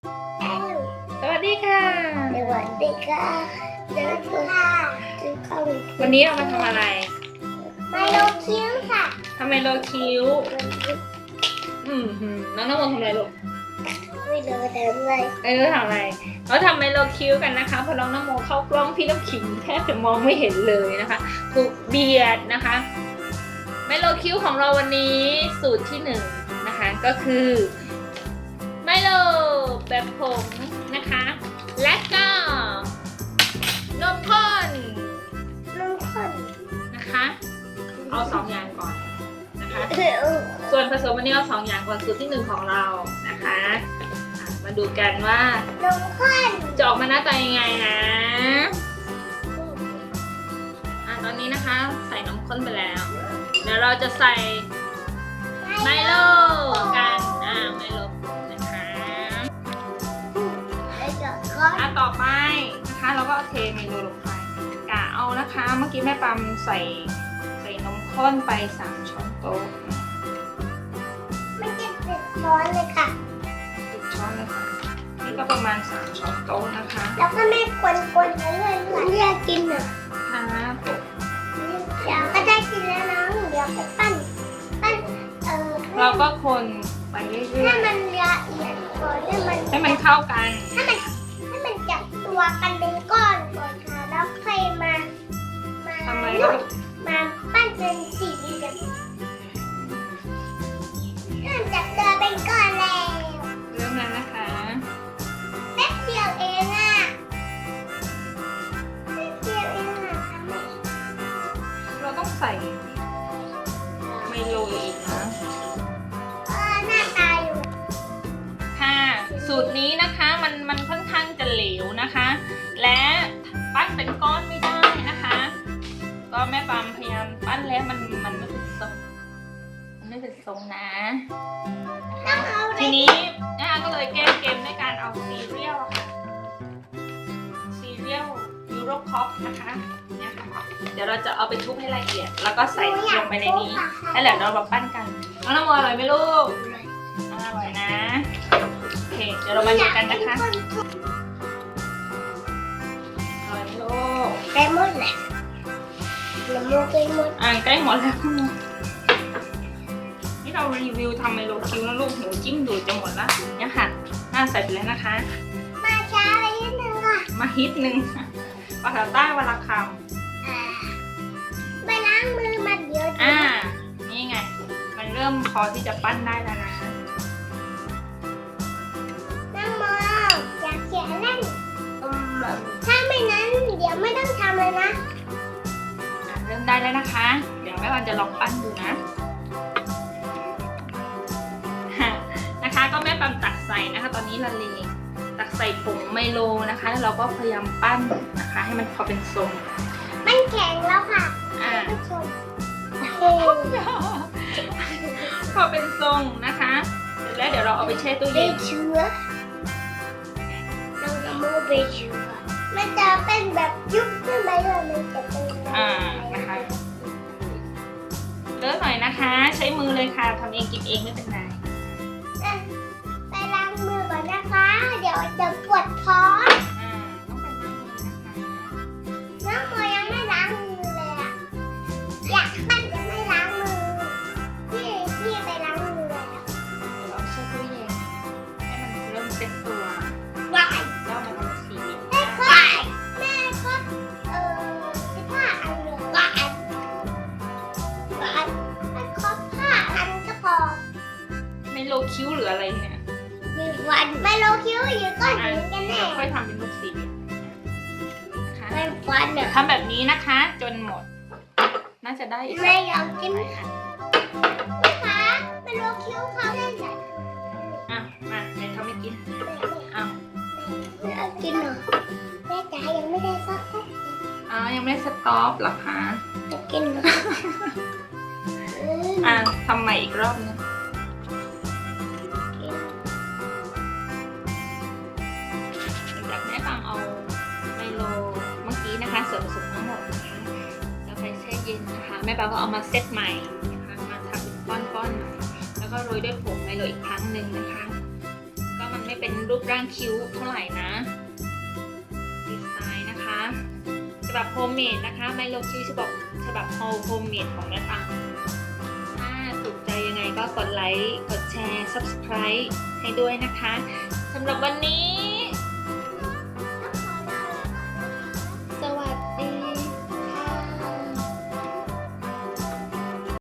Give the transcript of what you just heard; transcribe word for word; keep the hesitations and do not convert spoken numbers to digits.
สวัสดีค่ะสวัสดีค่ะเดินค่ะซื้อข้าววันนี้เรามาทำอะไรไมโลคิ้วค่ะทำไมโลคิ้ว อืมหืมน้องน้ำมนต์ทำอะไรลูกไม่รู้ทำอะไรไม่รู้ทำอะไรเราทำไมโลคิ้วกันนะคะเพราะน้องน้ำมนต์เข้ากล้องพี่น้ำขิงแทบจะมองไม่เห็นเลยนะคะถูกเบียดนะคะไมโลคิ้วของเราวันนี้สูตรที่หนึ่งนะคะก็คือไมโลแบบผงนะคะและก็นมข้นน้ำข้นนะคะเอาสองอย่างก่อนนะคะส่วนผสมวันนี้เอาสองอย่างก่อนสูตรที่หนึ่งของเรานะคะอ่ะมาดูกันว่านมข้นจะออกมาหน้าตายังไงนะอ่ะตอนนี้นะคะใส่นมข้นไปแล้วเดี๋ยวเราจะใส่ไมโลกันอ่าไมโลนะคะแล้วก็ข้นอ่ะต่อไปนะคะเราก็เอาเทไมโลลงไปกะเอานะคะเมื่อกี้แม่ปั๊มใส่ใส่นมข้นไปสามช้อนโต๊ะมันจะติดช้อนเลยค่ะสิบช้อนเลยค่ะนี่ก็ประมาณสามช้อนโต๊ะนะคะแล้วก็แม่กวนๆไปเรื่อยๆเรียกกินอ่ะค่ะเดี๋ยวก็ได้กินแล้วนะเดี๋ยวไปปั้นปั้นเอ่อเราก็คนไปเรื่ให้อยมันละเอียดก่อนให้มันๆให้มันเข้ากันให้มันให้มันจับตัวกันเป็นก้อนก่อนค่ะแล้วค่อยมามาทำอะไรก็มาปั้นเป็นสี่เหลี่ยมเริ่มจับตัวเป็นก้อนแล้วเริ่มแล้วนะคะแป๊บเดียวเองอ่ะแป๊บเดียวเองอ่ะทำไมเราต้องใส่ไมโลอีกนะเออหน้าตาอยู่ค่ะสูตรนี้นะคะมันมันค่อนข้างจะเหลวนะคะ และปั้นเป็นก้อนไม่ได้นะคะ ก็แม่ปามพยายามปั้นแล้วมันมันไม่เป็นทรงมันไม่เป็นทรงนะต้องเอาอะไรทีนี้นะคะก็เลยแก้เกมด้วยการเอาซีเรียลอะค่ะซีเรียลยูโรคอปนะคะเนี่ยค่ะเดี๋ยวเราจะเอาไปทุบให้ละเอียด แล้วก็ใส่ลงไปในนี้แล้วเดี๋ยวเรามาปั้นกันน้องน้ำมันอร่อยไหมลูกอร่อยนะโอเคเดี๋ยวเรามาดูกันนะคะอร่อยไหมลูกได้หมดแหละน้ำมูกได้หมดอ่าใกล้หมดแล้วนี่เรารีวิวทำไมโลคิวนะลูกหิวจิ้มดูจะหมดแล้วเนี่ยค่ะหน้าใส่ไปแล้วนะคะมาช้าไปนิดนึงค่ะมาฮิตหนึ่งภาษาใต้วลาคอ่าไปล้างมือมาเดี๋ยวำอ่า นี่ไง มันเริ่มพอที่จะปั้นได้แล้วนะน้ำมออยากเขียนเล่นถ้าไม่นั้นเดี๋ยวไม่ต้องทำเลยนะอ่ะเริ่มได้แล้วนะคะ เดี๋ยวแม่วันจะลองปั้นดูนะ นะคะก็แม่ปั๊มตักใส่นะคะ ตอนนี้ละเลงตักใส่ผงไมโลนะคะแล้วเราก็พยายามปั้นนะคะ ให้มันพอเป็นทรงมันแข็งแล้วค่ะอ่าผู้ชมพอเป็นทรงนะคะเสร็จแล้วเดี๋ยวเราเอาไปแช่ตู้เบเย็นเชื้อเราจะมูเบเชื้อมันจะเป็นแบบยุบขึ้นไปเลยมันจะเป็นอ่านะคะเลิกหน่อยนะคะ ใช้มือเลยค่ะทำเองกินเองไม่เป็นไรอ่ะไปล้างมือก่อนนะคะ เดี๋ยวจะปวดท้องอ่าต้องเป็นล้างมือนะคะน้องโมยังไม่ล้างมือเลยอะอยากปั้นจะไม่ล้างมือ พี่พี่ไปล้างมือแล้วเดี๋ยวเราแช่ตู้เย็นให้มันเริ่มเซ็ตตัววายแล้วมันเอามาสีแม่ก็แม่ก็เอ่อสิบห้าอันเลยวาย วายแม่ครบห้าอันก็พอไม่โลคิ้วหรืออะไรเนี่ยหนึ่งวันไม่โลคิ้วอยู่ก้อนอ่ะหินกันแน่เดี๋ยวค่อยทำเป็นลูกสีนะคะไม่ฟันเดี๋เนี่ยยวทำแบบนี้นะคะ จนหมด น่าจะได้อีกสัไม่กยอมกินหลายอันนะคะไม่โลคิ้วเขาได้ไหนอ่ะมาเดี๋ยวเขาไม่กินอ้าวไม่เอากินเหรอแม่จ๋ายังไม่ได้ซักแค่อ้าวยังไม่ได้สต็อปเหรอคะจะกินเหรออืมอ่ะทำใหม่อีกรอบนึงจากแม่ปังเอาไมโลเมื่อกี้นะคะส่วนผสมทั้งหมดนะคะแล้วไปแช่เย็นนะคะแม่ปังก็เอามาเซตใหม่นะคะมาทำเป็นก้อนๆใหม่แล้วก็โรยด้วยผงไมโลอีกครั้งหนึ่งนะคะ ก็มันไม่เป็นรูปร่างคิ้วเท่าไหร่นะดีไซน์นะคะฉบับโฮมเมดนะคะไมโลคิ้วฉบับฉบับโฮมเมดของน้าตังถ้าถูกใจยังไงก็กดไลค์กดแชร์ ซับสไครบ์ ให้ด้วยนะคะสำหรับวันนี้